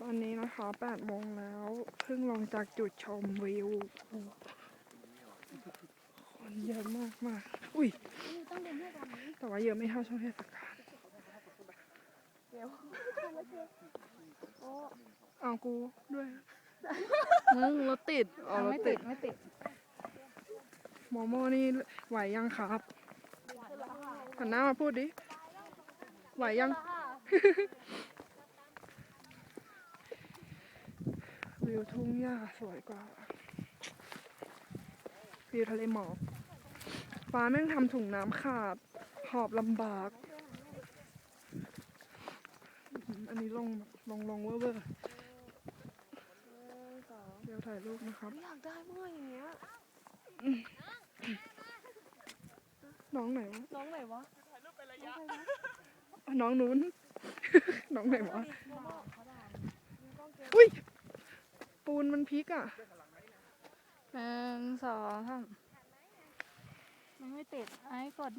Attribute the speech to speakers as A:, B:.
A: อนนี้นะคะ8 โมงแล้วเพิ่งลงจากจุดชมวิวคนเยอะมากมากอุ้ยแต่ว่าเยอะไม่เท่าช่วงเทศกาลเอากูด้วย
B: มึงรถติด
A: เอารถ
B: ไม่
A: ติ
B: ติ
A: ด
B: ดไม่ติด
A: โมโม่นี่ไหวยังครับหันหน้ามาพูดดิไหวยัง วิวทุ่งหญ้าสวยกว่าวิวทะเลหมอกฟ้าแม่งทำถุงน้ำขาดหอบลำบากอันนี้ลงเวอร์เดี๋ยวถ่ายรูปนะครับ
B: อยากได้เมื่ออย่างเงี้ย
A: น้องไหนวะ
B: น้องไหนวะ
A: น้องนู้น น้องไหนวะอุ้ยปูนมันพลิกอ่ะ
B: 1 2 3มันไม่ติดไอ้กด